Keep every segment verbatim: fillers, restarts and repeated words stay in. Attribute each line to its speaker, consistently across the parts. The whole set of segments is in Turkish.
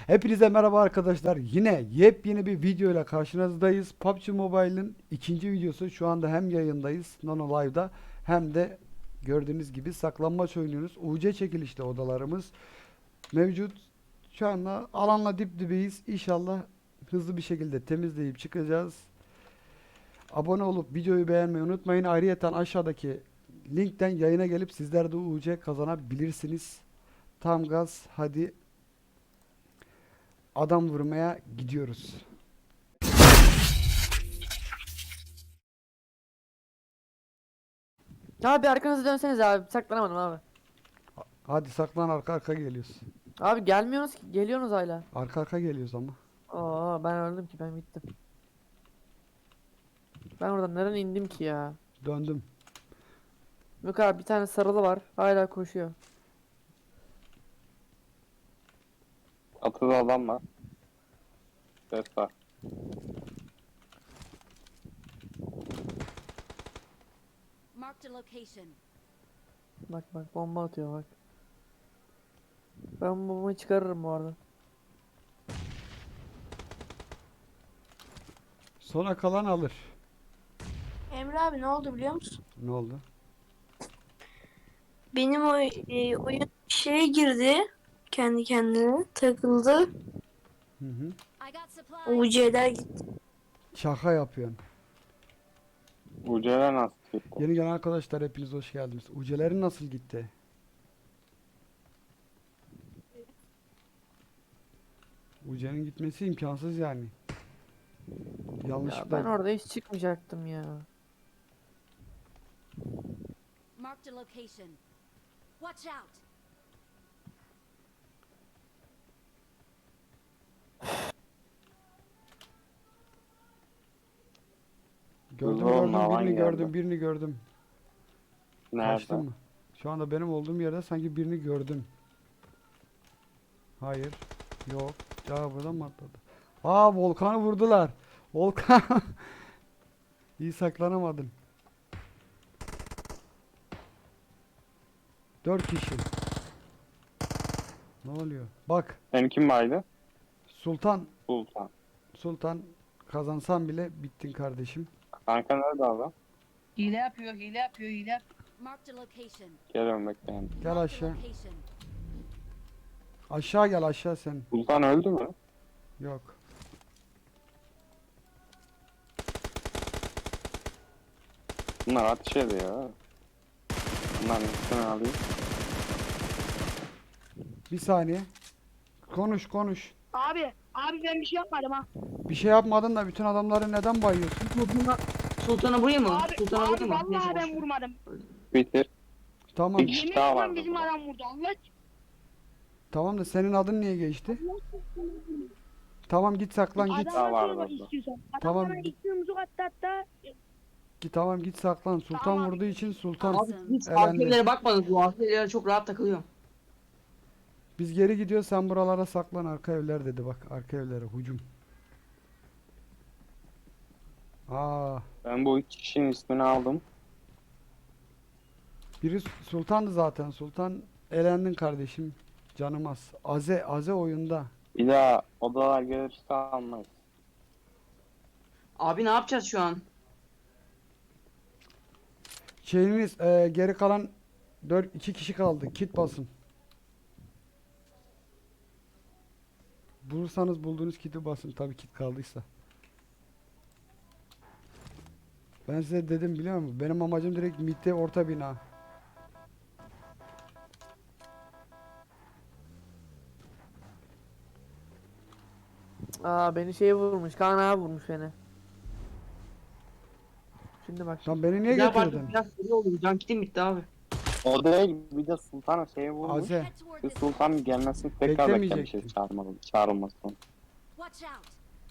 Speaker 1: Hepinize merhaba arkadaşlar. Yine yepyeni bir video ile karşınızdayız. P U B G Mobile'ın ikinci videosu. Şu anda hem yayındayız Nono Live'da hem de gördüğünüz gibi saklanmaç oynuyoruz. U C çekilişli odalarımız mevcut. Şu anda alanla dip dibeyiz. İnşallah hızlı bir şekilde temizleyip çıkacağız. Abone olup videoyu beğenmeyi unutmayın. Ayrıyeten aşağıdaki linkten yayına gelip sizler de U C kazanabilirsiniz. Tam gaz, hadi adam vurmaya gidiyoruz.
Speaker 2: Abi arkanızı dönseniz abi. Saklanamadım abi.
Speaker 1: Hadi saklan, arka arka geliyoruz.
Speaker 2: Abi gelmiyorsunuz ki. Geliyorsunuz hala.
Speaker 1: Arka arka geliyoruz ama.
Speaker 2: Aa ben öldüm ki, ben bittim. Ben oradan nereden indim ki ya?
Speaker 1: Döndüm.
Speaker 2: Yok abi, bir tane sarılı var. Hala koşuyor.
Speaker 3: Atıda adam var. Ses var.
Speaker 4: Marked a location.
Speaker 2: Bak bak, bomba atıyor bak. Ben bombayı çıkarırım bu arada.
Speaker 1: Sona kalan alır.
Speaker 5: Emre abi ne oldu biliyor musun?
Speaker 1: Ne oldu?
Speaker 5: Benim o e, oyun şeye girdi. Kendi kendine takıldı.
Speaker 1: Hı hı.
Speaker 4: I got supplies.
Speaker 5: U C'ler gitti.
Speaker 1: Şaka yapıyorsun.
Speaker 3: Ucele nasıl gitti?
Speaker 1: Yeni gelen arkadaşlar hepiniz hoş geldiniz. Ucelerin nasıl gitti? Uce'nin gitmesi imkansız yani.
Speaker 2: Ya
Speaker 1: Yanlışlıkla
Speaker 2: ben orada hiç çıkmayacaktım ya.
Speaker 4: Marked a location. Watch out.
Speaker 1: gördüm
Speaker 3: Hızlı olun,
Speaker 1: gördüm
Speaker 3: alan
Speaker 1: birini
Speaker 3: geldi.
Speaker 1: gördüm birini gördüm. Kaçtın
Speaker 3: Nerede?
Speaker 1: mı? Şu anda benim olduğum yerde sanki birini gördüm. Hayır. Yok. Ya buradan mı atladı? Aa, Volkan'ı vurdular. Volkan. İyi saklanamadın. Dört kişi. Ne oluyor? Bak,
Speaker 3: Senin kim vardı?
Speaker 1: Sultan.
Speaker 3: Sultan.
Speaker 1: Sultan kazansan bile bittin kardeşim.
Speaker 3: Kanka nerede adam?
Speaker 6: Hile yapıyor, hile yapıyor, hile yapıyor.
Speaker 4: Marked a location.
Speaker 3: Geliyorum bekleyin.
Speaker 1: Gel
Speaker 4: Marked a
Speaker 1: aşağı.
Speaker 4: location.
Speaker 1: Aşağı gel, aşağı sen.
Speaker 3: Sultan öldü mü?
Speaker 1: Yok.
Speaker 3: Bunlar ateş ediyor. Bunların üstüne alayım.
Speaker 1: Bir saniye. Konuş konuş.
Speaker 7: Abi, abi ben bir şey yapmadım ha.
Speaker 1: Bir şey yapmadın da bütün adamları neden bayıyorsun?
Speaker 6: Sultan'a, Sultan'a vurayım mı?
Speaker 7: Abi,
Speaker 6: Sultan'a
Speaker 7: abi
Speaker 6: vurayım mı? Neyse,
Speaker 7: vallahi
Speaker 6: boş
Speaker 7: ben
Speaker 6: ver.
Speaker 7: vurmadım.
Speaker 3: Bitir.
Speaker 1: Tamam.
Speaker 3: Bir kişi
Speaker 7: Yemin
Speaker 3: daha
Speaker 7: ederim
Speaker 3: vardı
Speaker 7: bizim
Speaker 3: burada.
Speaker 7: adam vurdu. Allah
Speaker 1: Tamam da senin adın niye geçti? Tamam, git saklan git.
Speaker 3: Daha
Speaker 7: adama
Speaker 3: var
Speaker 7: sorma
Speaker 3: orada.
Speaker 7: istiyorsan. Adam
Speaker 1: Tamam.
Speaker 7: bana iki yumruk attı hatta.
Speaker 1: Git tamam, git saklan. Sultan
Speaker 7: Tamam.
Speaker 1: vurduğu için Sultan.
Speaker 6: Abi hiç
Speaker 1: Elendi.
Speaker 6: arkelere bakmadınız. Bu arkelere çok rahat takılıyorum.
Speaker 1: Biz geri gidiyoruz, sen buralara saklan, arka evler dedi bak, arka evlere hücum. Aa,
Speaker 3: Ben bu üç kişinin ismini aldım.
Speaker 1: biri Sultan'dı zaten. Sultan, elendin kardeşim. Canım az. Aze, Aze oyunda.
Speaker 3: Bir daha odalar gelirse almayız.
Speaker 6: Abi ne yapacağız şu an?
Speaker 1: Şeyiniz e, geri kalan dört iki kişi kaldı. Kit basın. Bulursanız bulduğunuz kiti basın, tabii kit kaldıysa. Ben size dedim, biliyor musun? Benim amacım direkt midde orta bina.
Speaker 2: Aa, beni şey vurmuş. Kaan abi vurmuş beni. Şimdi bak.
Speaker 1: Lan beni niye
Speaker 6: Bir daha pardon,
Speaker 1: getirdin?
Speaker 6: biraz seri oldu. Can kitim bitti abi.
Speaker 3: O değil, bir de Sultan'a şey vurmuş.
Speaker 1: Aze.
Speaker 4: Head toward
Speaker 3: Bir
Speaker 4: this
Speaker 3: Sultan gelmesini tekrar
Speaker 1: Beklemeyecektim.
Speaker 3: beklemişiz çağırmalı, çağrılmasını.
Speaker 4: Watch out.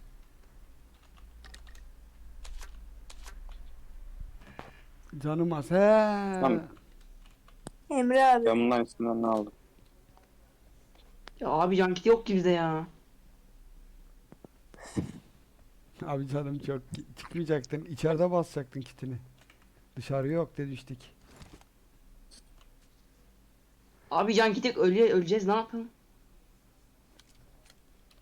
Speaker 1: Canım az. He.
Speaker 3: Tamam.
Speaker 5: Emre abi.
Speaker 3: Ben bunların isimlerini aldım.
Speaker 6: Ya abi can kiti yok ki bizde ya.
Speaker 1: Abi canım çok, çıkmayacaktın. İçeride basacaktın kitini. Dışarı yok demiştik.
Speaker 6: Abi can kiti öyle öleceğiz, ne yapalım?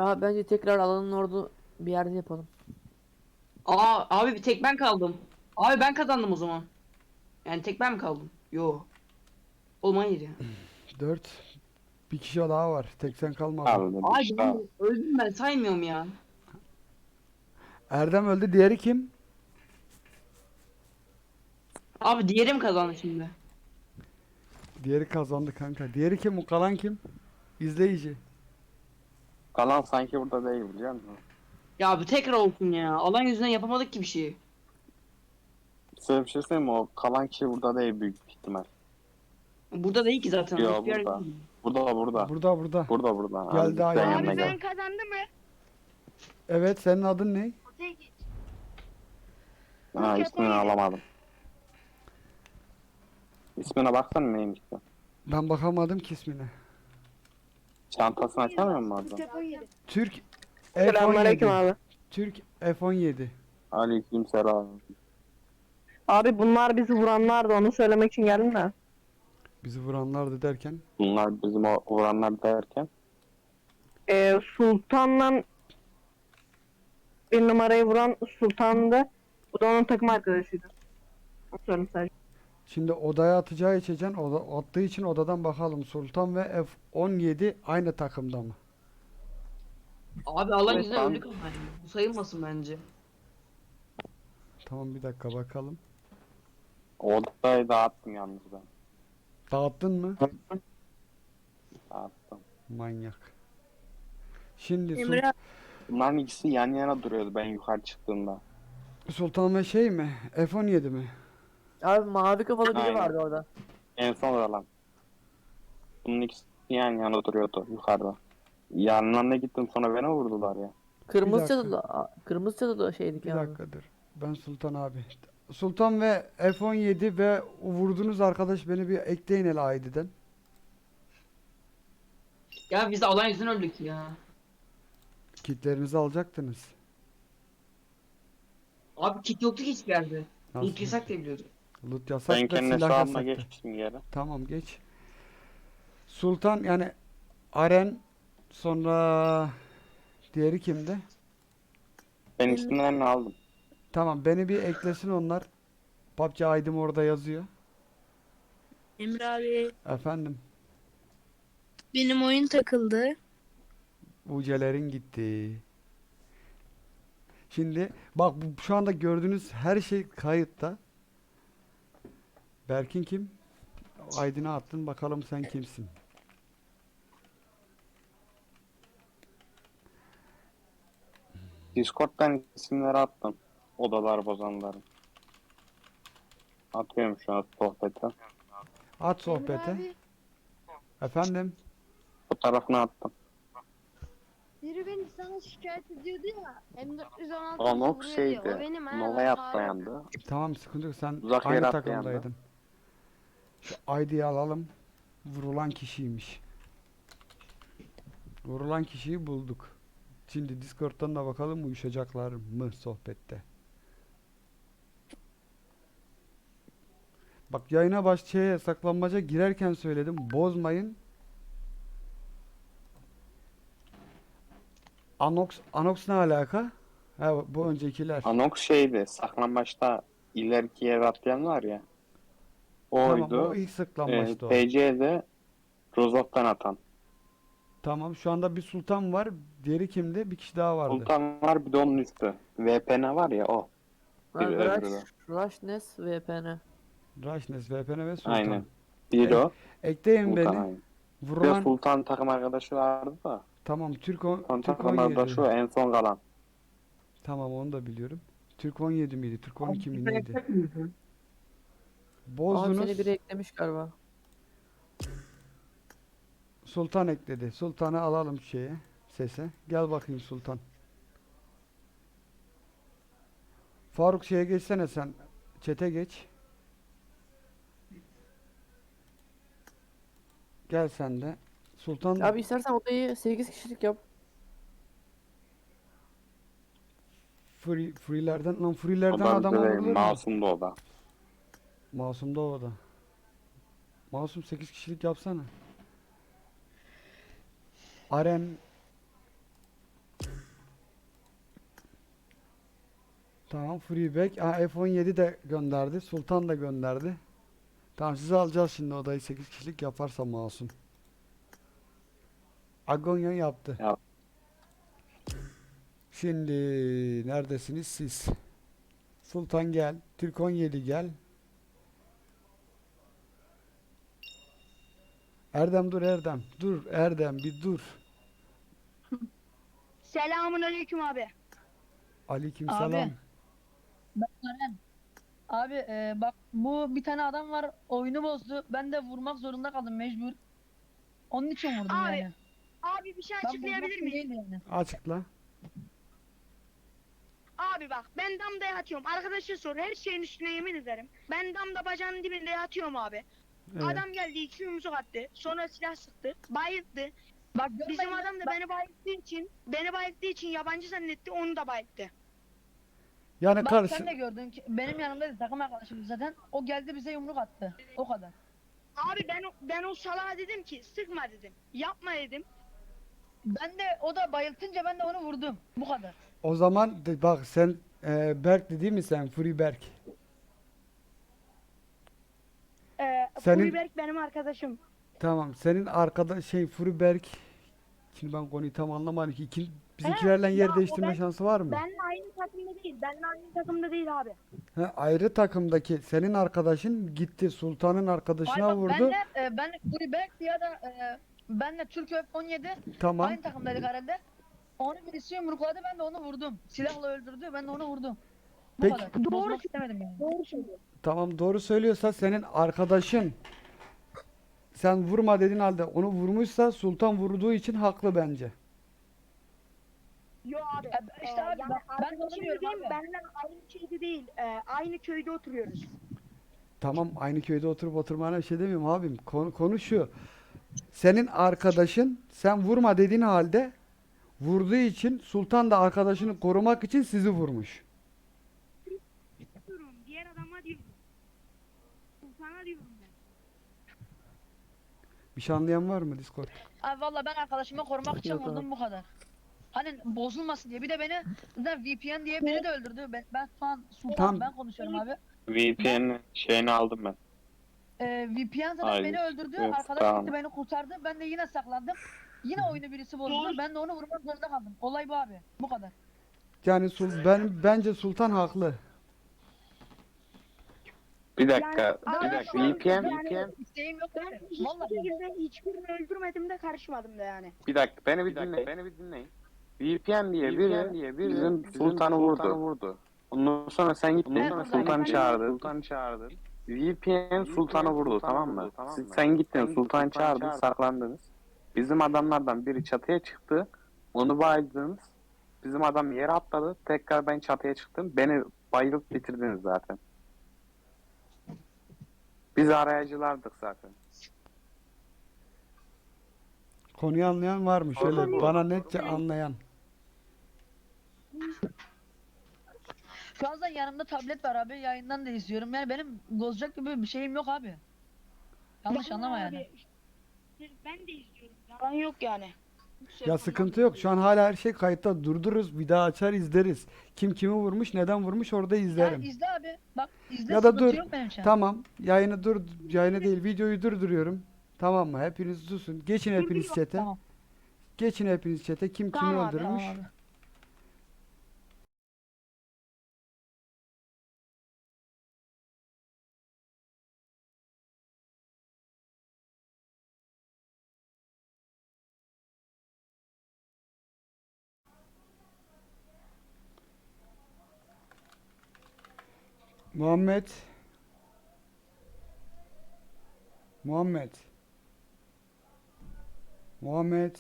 Speaker 2: Abi bence tekrar alanın orada bir yerde yapalım.
Speaker 6: Aa abi bir tek ben kaldım. Abi ben kazandım o zaman. Yani tek ben mi kaldım? Yo. Oğlum hayır ya.
Speaker 1: dört. Bir kişi daha var. Tek sen kalmadın.
Speaker 3: Abi
Speaker 6: Abi
Speaker 3: işte.
Speaker 6: ben öldüm, ben saymıyorum ya.
Speaker 1: Erdem öldü. Diğeri kim?
Speaker 6: Abi diğerim kazandı şimdi.
Speaker 1: Diğeri kazandı kanka. Diğeri kim? O kalan kim? İzleyici.
Speaker 3: Kalan sanki burada değil biliyor musun?
Speaker 6: Ya abi tekrar olsun ya. Alan yüzünden yapamadık ki bir şey.
Speaker 3: Size bir şey söyleyeyim mi? O kalan kişi burada değil büyük ihtimal.
Speaker 6: Burada değil ki zaten.
Speaker 3: Yo,
Speaker 6: Hiçbir yerde
Speaker 3: burada.
Speaker 6: değil.
Speaker 3: Burada burada.
Speaker 1: Burada burada.
Speaker 3: Burada burada.
Speaker 1: Geldi
Speaker 3: Abi,
Speaker 1: ayağa.
Speaker 3: sen
Speaker 7: Abi
Speaker 3: yanına
Speaker 7: ben
Speaker 3: gel.
Speaker 7: kazandım mı?
Speaker 1: Evet, senin adın ne?
Speaker 7: Otaya geç.
Speaker 3: Ha, ismini alamadım. İsmine baksana neymiş bu?
Speaker 1: Ben bakamadım ki ismine.
Speaker 3: Çantasını açamıyor musun orada?
Speaker 7: Telefon yedi.
Speaker 1: Türk F on
Speaker 2: Selamünaleyküm
Speaker 1: yedi.
Speaker 2: abi.
Speaker 1: Türk F on yedi.
Speaker 3: Aleykümselam.
Speaker 2: Abi bunlar bizi vuranlardı, onu söylemek için geldim de.
Speaker 1: Bizi vuranlardı derken.
Speaker 3: Bunlar bizim o vuranlar derken.
Speaker 2: Ee, Sultan'la bir numarayı vuran Sultan'dı. Bu da onun takım arkadaşıydı. Onu söyleyeyim sadece.
Speaker 1: Şimdi odaya atacağı içeceksin. Oda, attığı için odadan bakalım. Sultan ve F on yedi aynı takımda mı?
Speaker 6: Abi alan
Speaker 3: Evet,
Speaker 6: yüzünden
Speaker 3: ben-
Speaker 6: öldük ama yani. Bu sayılmasın bence.
Speaker 1: Tamam, bir dakika bakalım.
Speaker 3: Odayı dağıttım yalnız ben.
Speaker 1: Dağıttın mı?
Speaker 3: Dağıttım.
Speaker 1: Manyak. Şimdi Sul-
Speaker 5: Emre abi,
Speaker 3: Bunların ikisi yan yana duruyordu ben yukarı çıktığımda.
Speaker 1: Sultan ve şey mi? F on yedi mi?
Speaker 2: Abi mavi kafalı biri
Speaker 3: Aynen.
Speaker 2: vardı orada.
Speaker 3: En son olan. Bunun ikisi yan yana duruyordu yukarıda. Yanlarına gittim sonra beni vurdular ya.
Speaker 2: Kırmızı
Speaker 1: dakika.
Speaker 2: çatıda, kırmızı çatıda şeydik
Speaker 1: Bir
Speaker 2: yani.
Speaker 1: dakikadır. Ben Sultan abi. Sultan ve F on yedi ve o vurduğunuz arkadaş beni bir ekleyin hele I D'den.
Speaker 6: Ya biz de alan yüzünden öldük ya.
Speaker 1: Kitlerinizi alacaktınız.
Speaker 6: Abi kit yoktu ki hiçbir yerde.
Speaker 1: Nasıl?
Speaker 6: Loot yasak diye biliyordum.
Speaker 1: Loot yasak
Speaker 3: Ben
Speaker 1: da
Speaker 3: kendi
Speaker 1: silah
Speaker 3: hesabıma
Speaker 1: yasaktı.
Speaker 3: geçmiştim geri.
Speaker 1: Tamam, geç. Sultan yani Aren, sonra diğeri kimdi?
Speaker 3: Ben isimlerini aldım.
Speaker 1: Tamam, beni bir eklesin onlar. P U B G I D'm orada yazıyor.
Speaker 5: Emre abi
Speaker 1: Efendim,
Speaker 5: benim oyun takıldı.
Speaker 1: ucelerin gitti. Şimdi bak, bu, şu anda gördüğünüz her şey kayıtta. Berkin kim? I D'ni attın, bakalım sen kimsin?
Speaker 3: Discord'dan isimleri attım. Odalar bozanların. Atıyorum şu an sohbete.
Speaker 1: At sohbete.
Speaker 7: Abi,
Speaker 1: Efendim,
Speaker 3: Fotoğrafını attım.
Speaker 7: biri beni sana şikayet ediyordu ya. M dört yüz on altı
Speaker 3: O Nox
Speaker 7: vuruyor diye.
Speaker 3: şeydi.
Speaker 7: O benim ha.
Speaker 3: Nova'ya
Speaker 7: Faruk.
Speaker 3: atlayandı.
Speaker 1: tamam, sıkıntı yok, sen
Speaker 3: Uzak
Speaker 1: aynı
Speaker 3: yere atlayan da.
Speaker 1: takımdaydın. Şu I D'yi alalım. Vurulan kişiymiş. Vurulan kişiyi bulduk. Şimdi Discord'dan da bakalım uyuşacaklar mı sohbette. Bak, yayına baş şeye, saklanmaca girerken söyledim. Bozmayın. Anox, Anox ne alaka? Ha, bu öncekiler.
Speaker 3: Anox şeydi. Saklambaçta ileriki yere atlayan var ya.
Speaker 1: Tamam,
Speaker 3: Oydu.
Speaker 1: o ilk
Speaker 3: Ee,
Speaker 1: saklanmaçtı o.
Speaker 3: T C'de Rozok'tan atan.
Speaker 1: Tamam, şu anda bir Sultan var. Diğeri kimdi? Bir kişi daha vardı.
Speaker 3: Sultan var bir de onun üstü. V P N var ya o.
Speaker 2: Ha,
Speaker 3: Biri öbürü de.
Speaker 2: Rush, Rushnes V P N.
Speaker 1: Rashnes, V P N ve Sultan.
Speaker 3: Aynen. Bir o.
Speaker 1: Ekleyin
Speaker 3: Sultan
Speaker 1: beni.
Speaker 3: aynen. Bir de
Speaker 1: Vurulan,
Speaker 3: Sultan takım arkadaşı vardı da.
Speaker 1: tamam, Türk, on,
Speaker 3: Sultan
Speaker 1: Türk
Speaker 3: takım arkadaşı o
Speaker 1: on yedi.
Speaker 3: en son kalan.
Speaker 1: Tamam, onu da biliyorum. Türk on yedi miydi? Türk on iki mi neydi?
Speaker 2: Abi
Speaker 1: Bozdunuz.
Speaker 2: seni biri eklemiş galiba.
Speaker 1: Sultan ekledi. Sultan'ı alalım şeye, sese. Gel bakayım Sultan. Faruk, şeye geçsene sen. Çete geç. Gel sen de. Sultan
Speaker 2: Abi istersen odayı sekiz kişilik yap.
Speaker 1: free, free'lerden lan free'lerden
Speaker 3: O da
Speaker 1: adam
Speaker 3: bize
Speaker 1: vurulur mu?
Speaker 3: masumdu o da.
Speaker 1: Masum da o da. Masum sekiz kişilik yapsana. Aren Tamam, Freeback. Ha, F on yedi de gönderdi. Sultan da gönderdi. Tamam, sizi alacağız şimdi odayı, sekiz kişilik yaparsa masum. Agonya yaptı.
Speaker 3: Yap.
Speaker 1: Şimdi neredesiniz siz? Sultan gel. Türk on yedi gel. Erdem dur Erdem. Dur Erdem bir dur.
Speaker 7: Selamun aleyküm abi.
Speaker 1: Aleykümselam.
Speaker 8: Abi. Ben Eren. Abi e, bak bu bir tane adam var oyunu bozdu. Ben de vurmak zorunda kaldım mecbur. Onun için vurdum
Speaker 7: Abi,
Speaker 8: yani.
Speaker 7: Abi bir şey
Speaker 8: Ben
Speaker 7: açıklayabilir
Speaker 8: vurmak
Speaker 7: miyim?
Speaker 8: değil yani.
Speaker 1: Açıkla.
Speaker 7: Abi bak ben damda yatıyorum. Arkadaşa sor, her şeyin üstüne yemin ederim. Ben damda bacağının dibinde yatıyorum abi.
Speaker 1: Evet.
Speaker 7: Adam geldi, iki yumruk attı. Sonra silah sıktı. Bayılttı.
Speaker 8: Bak görmeyin
Speaker 7: Bizim
Speaker 8: lan,
Speaker 7: adam da
Speaker 8: bak,
Speaker 7: beni bayılttığı için beni bayılttığı için yabancı zannetti, onu da bayılttı.
Speaker 1: Yani
Speaker 8: bak
Speaker 1: karşı
Speaker 8: sen de gördün ki benim yanımdaydı takım arkadaşım zaten. O geldi bize yumruk attı. O kadar.
Speaker 7: Abi ben o- ben o salağa dedim ki sıkma dedim. Yapma dedim.
Speaker 8: Ben de o da bayıltınca ben de onu vurdum. Bu kadar.
Speaker 1: o zaman de- bak sen e, Berk değil mi sen? Free Berk.
Speaker 7: Ee,
Speaker 1: Senin-
Speaker 7: Furiberk benim arkadaşım.
Speaker 1: Tamam. Senin arkada şey Free Berk. Şimdi ben konuyu tam anlamadım ki. İki, bizimkilerle
Speaker 7: ya
Speaker 1: yer
Speaker 7: o
Speaker 1: değiştirme
Speaker 7: ben-
Speaker 1: şansı var mı?
Speaker 7: Benimle aynı takımda değil. Benimle aynı takımda değil abi.
Speaker 1: He, ayrı takımdaki senin arkadaşın gitti Sultan'ın arkadaşına
Speaker 8: Ay bak,
Speaker 1: vurdu.
Speaker 8: benle, e, ben Kulübek ya da e, benle Türk F on yedi
Speaker 1: Tamam.
Speaker 8: aynı takımdaydık herhalde. Onu birisi yumrukladı ben de onu vurdum. Silahla öldürdü ben de onu vurdum. Bu
Speaker 1: Peki.
Speaker 8: kadar.
Speaker 7: Doğru
Speaker 8: Bozmak istemedim yani.
Speaker 7: Doğru söylüyor.
Speaker 1: Tamam, doğru söylüyorsa senin arkadaşın sen vurma dediğin halde onu vurmuşsa Sultan vurduğu için haklı bence.
Speaker 7: Yo abi.
Speaker 8: Ya işte
Speaker 7: Ee,
Speaker 8: abi
Speaker 7: yani
Speaker 8: bak, ben de onu
Speaker 7: arkadaşım
Speaker 8: diyorum
Speaker 7: dediğim
Speaker 8: abi.
Speaker 7: benimle aynı köyde değil. Ee, aynı köyde oturuyoruz.
Speaker 1: Tamam, aynı köyde oturup oturmana bir şey demiyorum abim. Konu, konu şu. Senin arkadaşın sen vurma dediğin halde vurduğu için Sultan da arkadaşını korumak için sizi vurmuş.
Speaker 7: Diyorum, diğer adama diyorum. Sultana diyorum ben.
Speaker 1: Bir şey anlayan var mı Discord?
Speaker 8: Abi valla ben arkadaşımı korumak için vurdum bu kadar. Hani bozulmasın diye. Bir de beni zaten V P N diye biri de öldürdü. Ben, ben şu an Sultan
Speaker 1: Tamam.
Speaker 8: ben konuşuyorum abi.
Speaker 3: V P N'in şeyini aldım ben.
Speaker 8: Ee, V P N zaten
Speaker 3: Hayır,
Speaker 8: beni öldürdü.
Speaker 3: yok,
Speaker 8: Arkadaş
Speaker 3: tamam.
Speaker 8: gitti beni kurtardı. Ben de yine saklandım. Yine oyunu birisi bozdu. Ben de onu vurmak zorunda kaldım. Olay bu abi. Bu kadar.
Speaker 1: Yani Sul ben bence Sultan haklı.
Speaker 3: Bir dakika,
Speaker 7: Yani-
Speaker 3: bir
Speaker 7: Abi
Speaker 3: dakika.
Speaker 7: şu an
Speaker 3: V P N,
Speaker 7: yani-
Speaker 3: V P N.
Speaker 8: İsteğim yok.
Speaker 7: Ben
Speaker 8: abi.
Speaker 7: hiçbir
Speaker 8: Vallahi.
Speaker 7: şekilde hiçbirini öldürmedim de karışmadım da yani.
Speaker 3: Bir dakika, beni bir dinleyin. Beni bir dinleyin. V P N diye biri, diye biri bizim Sultan'ı vurdu. vurdu. Ondan sonra sen gittin,
Speaker 8: Evet,
Speaker 3: Sultan'ı
Speaker 7: ben-
Speaker 3: çağırdın. Sultan'ı çağırdın. V P N Sultan'ı vurdu, tamam mı? Siz, sen gittin, Sultan'ı çağırdın, saklandınız. Bizim adamlardan biri çatıya çıktı. Onu baydınız. Bizim adam yere atladı. Tekrar ben çatıya çıktım. Beni bayılıp bitirdiniz zaten. Biz arayıcılardık zaten.
Speaker 1: Konuyu anlayan var mı? Şöyle
Speaker 3: Doğru.
Speaker 1: bana netçe anlayan.
Speaker 8: Şu an zaten yanımda tablet var abi. Yayından da izliyorum. Yani benim bozacak gibi bir şeyim yok abi. Yanlış
Speaker 7: Vallahi
Speaker 8: anlama
Speaker 7: abi,
Speaker 8: yani.
Speaker 7: Ben de izliyorum. Yalan yok yani.
Speaker 1: Ya sıkıntı yok. Şu an hala her şey kayıtta. Durdururuz. Bir daha açar izleriz. Kim kimi vurmuş, neden vurmuş orada
Speaker 8: Ya
Speaker 1: izlerim.
Speaker 8: izle abi. Bak izle
Speaker 1: Ya da
Speaker 8: sıkıntı
Speaker 1: dur.
Speaker 8: yok benim için.
Speaker 1: Tamam. Yayını dur. Yayını değil, videoyu durduruyorum. Tamam mı? Hepiniz susun. Geçin hepiniz chat'e.
Speaker 8: Tamam.
Speaker 1: Geçin hepiniz chat'e. Kim kimi
Speaker 7: Tamam abi,
Speaker 1: öldürmüş?
Speaker 8: Tamam abi.
Speaker 1: Muhammed. Muhammed. Muhammed.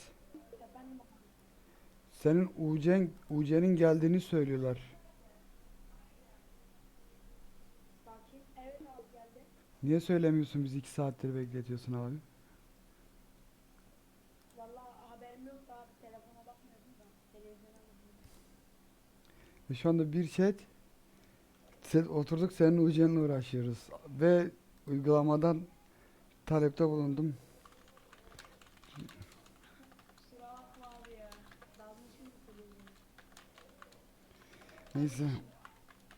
Speaker 1: Senin Ucen, Ucen'in geldiğini söylüyorlar. Niye söylemiyorsun, bizi iki saattir bekletiyorsun abi? Ve şu anda bir chat se- oturduk senin Ucen'le uğraşıyoruz ve uygulamadan talepte bulundum. Neyse.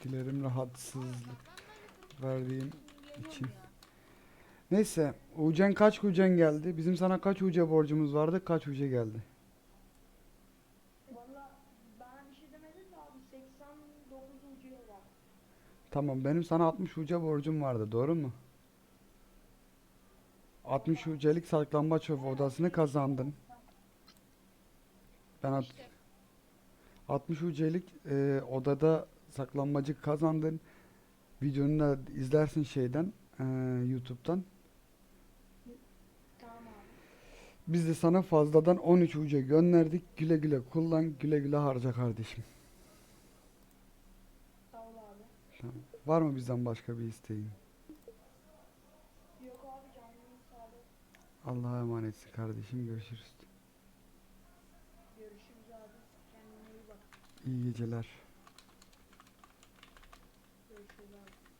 Speaker 1: dilerim rahatsızlık verdiğim için. Neyse, Ucen kaç Ucen geldi? Bizim sana kaç Uce borcumuz vardı? Kaç Uce geldi?
Speaker 8: Valla bana bir şey demedin de abi seksen dokuz ucuya var.
Speaker 1: Tamam, benim sana altmış Uce borcum vardı, doğru mu? altmış Uce'lik saklambaç odasını kazandın. Ben at- altmış Uce'lik e, odada saklanmacı kazandın. Videonu da izlersin şeyden, e, YouTube'dan.
Speaker 8: Tamam abi.
Speaker 1: Biz de sana fazladan on üç uca gönderdik. Güle güle kullan, güle güle harca kardeşim.
Speaker 8: Sağ ol abi.
Speaker 1: Tamam. Var mı bizden başka bir isteğin?
Speaker 8: Yok abi canının sağlığı.
Speaker 1: Allah'a emanetsin kardeşim. Görüşürüz.
Speaker 8: Görüşürüz abi. Kendine iyi bak.
Speaker 1: İyi geceler.
Speaker 8: Görüşürüz abi.